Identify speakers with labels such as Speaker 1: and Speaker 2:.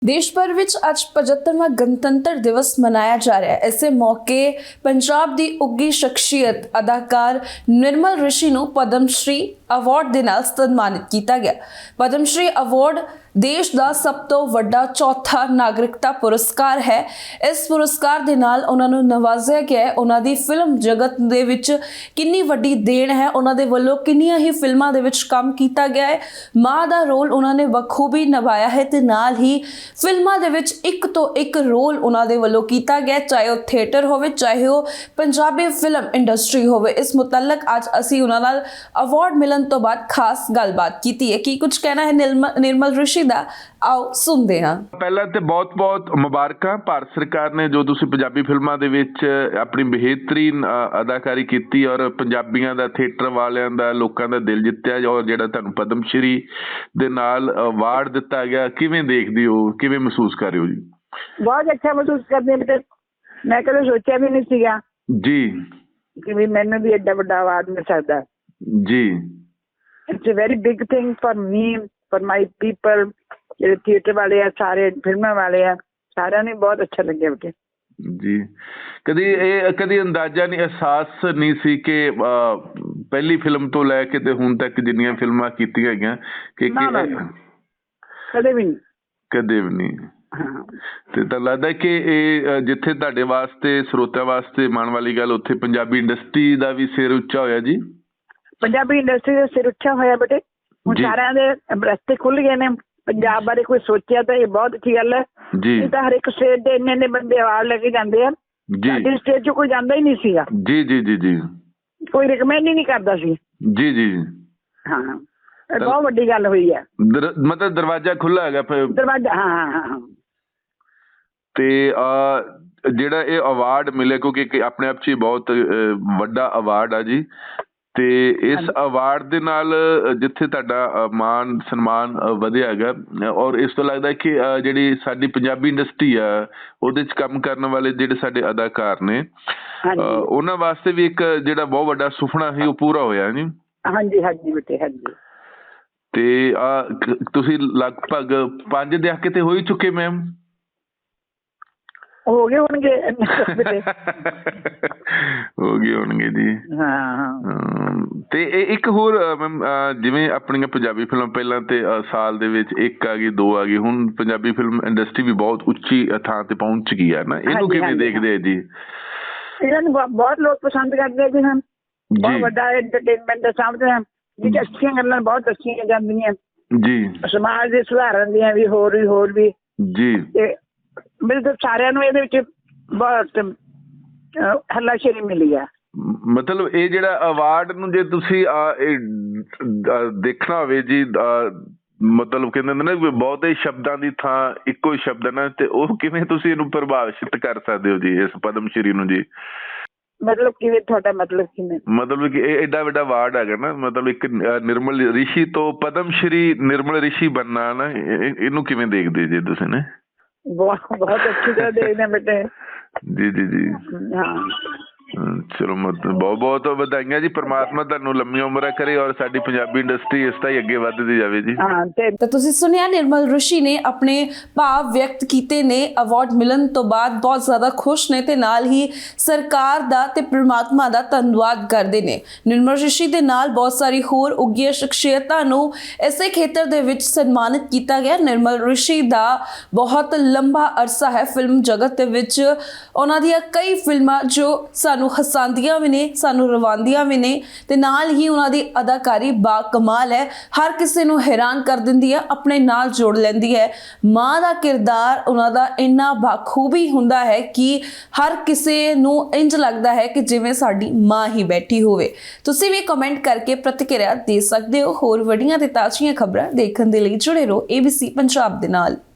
Speaker 1: देश भर विच अज 75वां गणतंत्र दिवस मनाया जा रहा है। इसे मौके पंजाब दी उगी शख्सियत अदाकार निर्मल ऋषि नूं पद्मश्री अवार्ड दे नाल सन्मानित किया गया। पद्मश्री अवार्ड देश का सब तो वड्डा चौथा नागरिकता पुरस्कार है। इस पुरस्कार दे नाल उन्हां नूं नवाजिया गया है। उन्हां दी फिल्म जगत दे विच किन्नी वड्डी देन है, उन्हां दे वल्लों किन्नियां ही फिल्मां दे विच काम कीता गया है। माँ दा रोल उन्हां ने बखूबी निभाया है ते नाल ही फिल्मां दे विच एक तो एक रोल उन्हां दे वल्लों कीता गया, चाहे वो थिएटर होवे चाहे वो पंजाबी फिल्म इंडस्ट्री होवे। इस मुतलक अज असीं उन्हां नाल अवार्ड मिलन तो बाद खास गलबात कीती है। की कुछ कहना है निर्मल ऋषि दा, आओ सुनते हैं।
Speaker 2: पहला तो बहुत बहुत मुबारकां भारत सरकार ने जो तुसीं पंजाबी फिल्मां दे विच अपनी बेहतरीन अदाकारी की और पंजाबियां दा थिएटर वालियां दा लोकां दा दिल जित्तिया और जिहड़ा तुहानूं पद्मश्री दे नाल अवार्ड दिता गया, किवें देखदे हो, किवें महसूस कर रहे हो जी?
Speaker 3: बहुत अच्छा महसूस करते हैं। मैं कभी सोचा भी नहीं सीगा
Speaker 2: जी
Speaker 3: कि भी मैंने भी एडा बड़ा अवार्ड मिल सकता
Speaker 2: जी।
Speaker 3: It's a very big thing for me, for my people, जो थिएटर वाले है, सारे फिल्म वाले है, सारे ने बहुत अच्छा लगे बेटे
Speaker 2: जी। कदी अंदाजा नहीं, एहसास नहीं सी कि पहली फिल्म तो लैके ते हुण तक जिन्नियां फिल्मां कीतियां गईयां कि
Speaker 3: कदे भी नहीं,
Speaker 2: कदे भी नहीं।
Speaker 3: हाँ।
Speaker 2: ਤੇ ਤਾਂ ਲੱਗਦਾ ਕਿ ਇਹ ਜਿੱਥੇ ਤੁਹਾਡੇ ਵਾਸਤੇ ਸਰੋਤਿਆਂ ਵਾਸਤੇ ਮਾਣ ਵਾਲੀ ਗੱਲ, ਉੱਥੇ ਪੰਜਾਬੀ ਇੰਡਸਟਰੀ ਦਾ ਵੀ ਸਿਰ ਉੱਚਾ ਹੋਇਆ ਜੀ।
Speaker 3: ਪੰਜਾਬੀ ਇੰਡਸਟਰੀ ਦਾ ਸਿਰ ਉੱਚਾ ਹੋਇਆ ਬੇਟੇ। ਹੁਣ ਸਾਰਿਆਂ ਦੇ ਰਸਤੇ ਖੁੱਲ ਗਏ ਨੇ। ਪੰਜਾਬ ਬਾਰੇ ਕੋਈ ਸੋਚਿਆ ਤਾਂ ਇਹ ਬਹੁਤ ਅੱਛੀ ਗੱਲ ਹੈ ਜੀ। ਇਹ ਤਾਂ ਹਰ ਇੱਕ ਸਟੇਟ ਦੇ ਇੰਨੇ ਬੰਦੇ ਅਵਾਰਡ ਲੈ ਕੇ ਜਾਂਦੇ ਆ ਜੀ। ਸਾਡੀ ਸਟੇਟ 'ਚ ਕੋਈ ਜਾਂਦਾ ਹੀ ਨਹੀਂ ਸੀਗਾ
Speaker 2: ਜੀ ਜੀ ਜੀ ਜੀ।
Speaker 3: ਕੋਈ ਰਿਕਮੈਂਡ ਹੀ ਨਹੀਂ ਕਰਦਾ ਸੀ ਜੀ ਜੀ। ਹਾਂ, ਬਹੁਤ ਵੱਡੀ ਗੱਲ ਹੋਈ ਹੈ।
Speaker 2: ਮਤਲਬ ਦਰਵਾਜ਼ਾ ਖੁੱਲਾ ਹੈਗਾ
Speaker 3: ਦਰਵਾਜ਼ਾ। ਹਾਂ ਹਾਂ।
Speaker 2: ਤੇ ਜਿਹੜਾ ਇਹ ਅਵਾਰਡ ਮਿਲੇ, ਕਿਉਂਕਿ ਆਪਣੇ ਆਪ 'ਚ ਹੀ ਬਹੁਤ ਵੱਡਾ ਅਵਾਰਡ ਆ ਜੀ, ਤੇ ਇਸ ਅਵਾਰਡ ਦੇ ਨਾਲ ਜਿੱਥੇ ਤੁਹਾਡਾ ਮਾਨ ਸਨਮਾਨ ਵਧਿਆ ਹੈਗਾ ਔਰ ਇਸ ਤੋਂ ਲੱਗਦਾ ਕਿ ਜਿਹੜੀ ਸਾਡੀ ਪੰਜਾਬੀ ਇੰਡਸਟਰੀ ਆ ਉਹਦੇ 'ਚ ਕੰਮ ਕਰਨ ਵਾਲੇ ਜਿਹੜੇ ਸਾਡੇ ਅਦਾਕਾਰ ਨੇ ਉਹਨਾਂ ਵਾਸਤੇ ਵੀ ਇੱਕ ਜਿਹੜਾ ਬਹੁਤ ਵੱਡਾ ਸੁਪਨਾ ਸੀ ਉਹ ਪੂਰਾ ਹੋਇਆ ਜੀ।
Speaker 3: ਹਾਂਜੀ ਹਾਂਜੀ ਬੇਟੇ, ਹਾਂਜੀ।
Speaker 2: ਤੇ ਤੁਸੀਂ ਲਗਭਗ 5 ਦਹਾਕੇ ਤੇ ਹੋ ਹੀ ਚੁੱਕੇ ਮੈਮ?
Speaker 3: ਹੋ ਗਏ ਹੋਣਗੇ
Speaker 2: ਹੋ ਗਏ ਹੋਣਗੇ ਜੀ। ਤੇ ਇੱਕ ਹੋਰ ਮੈਮ, ਜਿਵੇਂ ਆਪਣੀਆਂ ਪੰਜਾਬੀ ਫਿਲਮ ਪਹਿਲਾਂ ਤੇ ਸਾਲ ਦੇ ਵਿੱਚ ਇੱਕ ਆ ਗਈ, 2 ਆ ਗਈ, ਹੁਣ ਪੰਜਾਬੀ ਫਿਲਮ ਇੰਡਸਟਰੀ ਵੀ ਬਹੁਤ ਉੱਚੀ ਥਾਂ ਤੇ ਪਹੁੰਚ ਗਈ ਹੈ ਨਾ, ਇਹਨੂੰ ਕਿਵੇਂ ਦੇਖਦੇ ਆ ਜੀ?
Speaker 3: ਇਹਨਾਂ ਨੂੰ ਬਹੁਤ ਲੋਕ ਪਸੰਦ ਕਰਦੇ ਜੀ। ਹਨ ਬਹੁਤ ਵੱਡਾ ਐਂਟਰਟੇਨਮੈਂਟ ਦਾ ਸਾਹਮਣੇ ਜਿਹੜੀ ਅੱਛੀਆਂ ਗੱਲਾਂ ਬਹੁਤ ਅੱਛੀਆਂ ਜਾਂਦੀਆਂ ਜੀ, ਸਮਾਜ ਦੇ ਸੁਧਾਰਨ ਦੀਆਂ ਵੀ ਹੋਰ ਵੀ ਜੀ। ਤੇ ਮੇਰੇ ਤਾਂ ਸਾਰਿਆਂ ਨੂੰ ਇਹਦੇ ਵਿੱਚ ਬਹੁਤ ਹੱਲਾਸ਼ੇਰੀ ਮਿਲੀ ਆ।
Speaker 2: ਮਤਲਬ ਇਹ ਜਿਹੜਾ ਅਵਾਰਡ ਨੂੰ ਜੇ ਤੁਸੀਂ ਦੇਖਣਾ ਹੋਵੇ ਜੀ, ਮਤਲਬ ਕਹਿੰਦੇ ਹੁੰਦੇ ਨਾ ਬਹੁਤੇ ਸ਼ਬਦਾਂ ਦੀ ਥਾਂ ਇੱਕੋ ਹੀ ਸ਼ਬਦ ਹੈ ਨਾ, ਤੇ ਉਹ ਕਿਵੇਂ ਤੁਸੀਂ ਇਹਨੂੰ ਪ੍ਰਭਾਵਿਤ ਕਰ ਸਕਦੇ ਹੋ ਜੀ ਇਸ ਪਦਮਸ਼੍ਰੀ ਨੂੰ ਜੀ?
Speaker 3: ਮਤਲਬ ਕਿਵੇਂ? ਤੁਹਾਡਾ ਮਤਲਬ ਕਿਵੇਂ?
Speaker 2: ਮਤਲਬ ਕਿ ਇਹ ਐਡਾ ਵੱਡਾ ਅਵਾਰਡ ਹੈਗਾ ਨਾ, ਮਤਲਬ ਇੱਕ ਨਿਰਮਲ ਰਿਸ਼ੀ ਤੋਂ ਪਦਮਸ਼੍ਰੀ ਨਿਰਮਲ ਰਿਸ਼ੀ ਬਣਨਾ ਨਾ, ਇਹਨੂੰ ਕਿਵੇਂ ਦੇਖਦੇ ਜੀ ਤੁਸੀਂ ਨੇ?
Speaker 3: ਬਹੁਤ ਅੱਛੀ ਤਰ੍ਹਾਂ ਦੇਖਦੇ ਬੇਟੇ
Speaker 2: ਜੀ ਜੀ ਜੀ।
Speaker 3: ਹਾਂ
Speaker 2: ਚਲੋ ਮਤਲਬ ਬਹੁਤ ਬਹੁਤ ਵਧਾਈਆਂ ਜੀ। ਪਰਮਾਤਮਾ ਤੁਹਾਨੂੰ ਲੰਮੀ ਉਮਰ ਕਰੇ ਔਰ ਸਾਡੀ ਪੰਜਾਬੀ ਇੰਡਸਟਰੀ ਇਸ ਤਰ੍ਹਾਂ ਹੀ ਅੱਗੇ ਵੱਧਦੀ ਜਾਵੇ ਜੀ।
Speaker 1: ਤਾਂ ਤੁਸੀਂ ਸੁਣਿਆ ਨਿਰਮਲ ऋषि ਨੇ ਆਪਣੇ ਭਾਵ ਵਿਅਕਤ ਕੀਤੇ ਨੇ। ਅਵਾਰਡ ਮਿਲਣ ਤੋਂ ਬਾਅਦ ਬਹੁਤ ਜ਼ਿਆਦਾ ਖੁਸ਼ ਨੇ ਤੇ ਨਾਲ ਹੀ ਸਰਕਾਰ ਦਾ ਤੇ ਪਰਮਾਤਮਾ ਦਾ ਧੰਨਵਾਦ ਕਰਦੇ ਨੇ। ਨਿਰਮਲ ऋषि ਦੇ ਨਾਲ ਬਹੁਤ ਸਾਰੀ ਹੋਰ ਉੱਗੀਆਂ ਸ਼ਖਸੀਅਤਾਂ ਨੂੰ ਇਸੇ ਖੇਤਰ ਦੇ ਵਿੱਚ ਸਨਮਾਨਿਤ ਕੀਤਾ ਗਿਆ। ਨਿਰਮਲ ऋषि ਦਾ ਬਹੁਤ ਲੰਬਾ ਅਰਸਾ ਹੈ ਫਿਲਮ ਜਗਤ ਦੇ ਵਿੱਚ। ਉਹਨਾਂ ਦੀਆਂ ਕਈ ਫਿਲਮਾਂ ਜੋ ਸਾਨੂੰ ਹਸਾਉਂਦੀਆਂ ਵੀ ਨੇ, ਸਾਨੂੰ ਰਵਾਉਂਦੀਆਂ ਵੀ ਨੇ ਤੇ ਨਾਲ ਹੀ ਉਹਨਾਂ ਦੀ ਅਦਾਕਾਰੀ ਬਾ ਕਮਾਲ ਹੈ, ਹਰ ਕਿਸੇ ਨੂੰ ਹੈਰਾਨ ਕਰ ਦਿੰਦੀ ਹੈ, ਆਪਣੇ ਨਾਲ ਜੋੜ ਲੈਂਦੀ ਹੈ। ਮਾਂ ਦਾ ਕਿਰਦਾਰ ਉਹਨਾਂ ਦਾ ਇੰਨਾ ਬਾਖੂਬੀ ਹੁੰਦਾ ਹੈ ਕਿ ਹਰ ਕਿਸੇ ਨੂੰ ਇੰਜ ਲੱਗਦਾ ਹੈ ਕਿ ਜਿਵੇਂ ਸਾਡੀ ਮਾਂ ਹੀ ਬੈਠੀ ਹੋਵੇ। ਤੁਸੀਂ ਵੀ ਕਮੈਂਟ ਕਰਕੇ ਪ੍ਰਤੀਕਿਰਿਆ ਦੇ ਸਕਦੇ ਹੋ। ਹੋਰ ਵੱਡੀਆਂ ਤੇ ਤਾਜ਼ੀਆਂ ਖਬਰਾਂ ਦੇਖਣ ਦੇ ਲਈ ਜੁੜੇ ਰਹੋ ABC ਪੰਜਾਬ ਦੇ ਨਾਲ।